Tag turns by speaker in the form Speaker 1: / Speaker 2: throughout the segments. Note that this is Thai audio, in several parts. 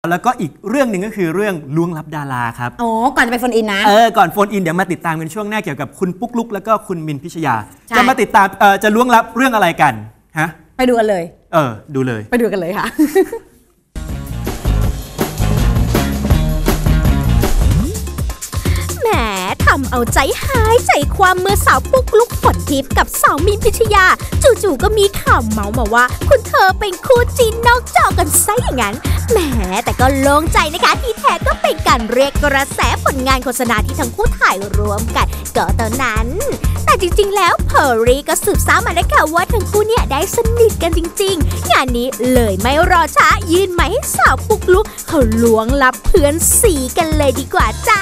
Speaker 1: แล้วก็อีกเรื่องหนึ่งก็คือเรื่องล้วงลับดาราครับ
Speaker 2: อ๋อก่อนจะไปโฟนอินนะ
Speaker 1: ก่อนโฟนอินเดี๋ยวมาติดตามกันช่วงหน้าเกี่ยวกับคุณปุ๊กลุกแล้วก็คุณมินพิชยาจะมาติดตามจะล้วงลับเรื่องอะไรกันฮะ
Speaker 2: ไปดูกันเลย
Speaker 1: ดูเลย
Speaker 2: ไปดูกันเลยค่ะ
Speaker 3: แหมทำเอาใจหายใจความเมื่อสาวปุ๊กลุกฝนทิพย์กับสาวมินพิชยาจู่ๆก็มีข่าวเมาส์มาว่าคุณเธอเป็นคู่จิ้นนอกจอกันซะอย่างนั้นแหมแต่ก็โล่งใจนะคะที่แท้ก็เป็นการเรียกกระแสผลงานโฆษณาที่ทั้งคู่ถ่ายรวมกันก็เท่านั้นแต่จริงๆแล้วเพอร์รี่ก็สืบสาวมาได้ค่ะว่าทั้งคู่เนี่ยได้สนิทกันจริงๆงานนี้เลยไม่รอช้ายื่นไม้ให้สาวปุ๊กลุกเขาล้วงลับเพื่อนสีกันเลยดีกว่าจ้า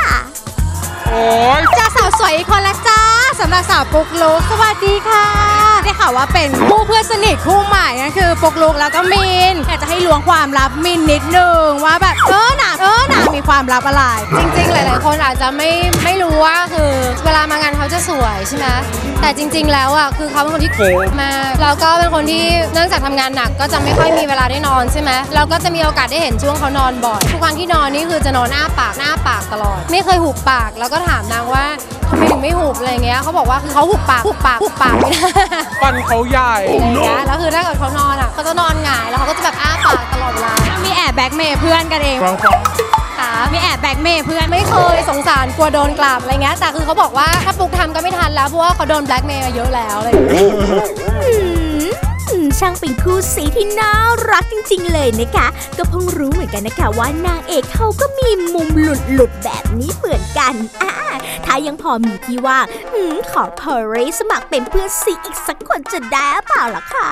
Speaker 4: จ้าสาวสวยอีกคนละจ้าสำหรับสาวปุ๊กลุกสวัสดีค่ะได้ข่าวว่าเป็นคู่เพื่อนสนิทคู่ใหม่นั่นคือปุ๊กลุกแล้วก็มินอยากจะให้ล้วงความลับมินนิดนึงว่าแบบหนามีความลับอะไรจริงๆหลายๆคนอาจจะไม่รู้ว่าคือเวลามางานเขาจะสวยใช่ไหมแต่จริงๆแล้วอ่ะคือเขาเป็นคนที่โกงมาแล้วก็เป็นคนที่เนื่องจากทำงานหนักก็จะไม่ค่อยมีเวลาได้นอนใช่ไหมเราก็จะมีโอกาสได้เห็นช่วงเขานอนบ่อยทุกครั้งที่นอนนี่คือจะนอนหน้าปากตลอดไม่เคยหุบปากแล้วก็ถามนางว่าทำไมถึงไม่หุบอะไรเงี้ยเขาบอกว่าคือเขาหุบปากไม่ได้
Speaker 5: ฟันเขาใหญ่
Speaker 4: อะไรเงี้ยแล้วคือถ้าเกิดเขานอนอ่ะเขาจะนอนหงายแล้วเขาก็จะแบบอ้าปากตลอดเวลามีแอบแบ็กเมย์เพื่อนกันเองมีแอบแบ็กเมย์เพื่อนไม่เคยสงสารกลัวโดนกลับอะไรเงี้ยแต่คือเขาบอกว่าถ้าปุ๊กทำก็ไม่ทันแล้วเพราะว่าเขาโดนแบล็กเมย์มาเยอะแล้วอะไรอย่างเงี้ย
Speaker 3: ช่างเป็นคู่สีที่น่ารักจริงๆเลยนะคะก็เพิ่งรู้เหมือนกันนะคะว่านางเอกเขาก็มีมุมหลุดแบบนี้เหมือนกันถ้ายังพอมีที่ว่างขอเพอร์รี่สมัครเป็นเพื่อนสีอีกสักคนจะได้เปล่าล่ะคะ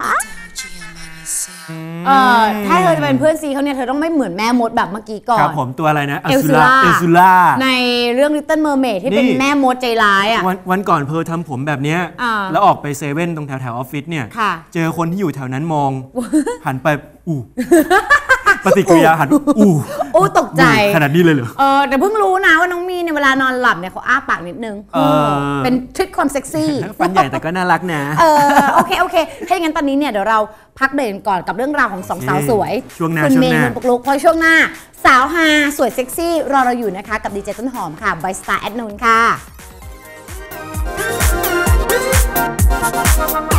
Speaker 2: ถ้าเธอจะเป็นเพื่อนซีเขาเนี่ยเธอต้องไม่เหมือนแม่มดแบบเมื่อกี้ก่อน
Speaker 1: ครับผมตัวอะไรนะ
Speaker 2: เอลซูล่าในเรื่อง Little Mermaid ที่เป็นแม่มดใจร้ายอ่ะ
Speaker 1: วันก่อนเพอทำผมแบบเนี้ยแล้วออกไปเซเว่นตรงแถวออฟฟิศเนี่ยเจอคนที่อยู่แถวนั้นมองหันไปปฏิกิริยาหัน
Speaker 2: ตกใจ
Speaker 1: ขนาดนี้เลยเหรอ
Speaker 2: แต่เพิ่งรู้นะว่าน้องมีเนี่ยเวลานอนหลับเนี่ยเขาอ้าปากนิดนึงเป็นทริคความเซ็กซี่
Speaker 1: ฟันใหญ่แต่ก็น่ารักนะ
Speaker 2: โอเคถ้าอย่างนั้นตอนนี้เนี่ยเดี๋ยวเราพักเบรกก่อนกับเรื่องราวของสองสาวสวยคุณเมย์คุณปุ๊กลุกพอช่วงหน้าสาวฮาสวยเซ็กซี่รอเราอยู่นะคะกับดีเจต้นหอมค่ะ by Star at Noon ค่ะ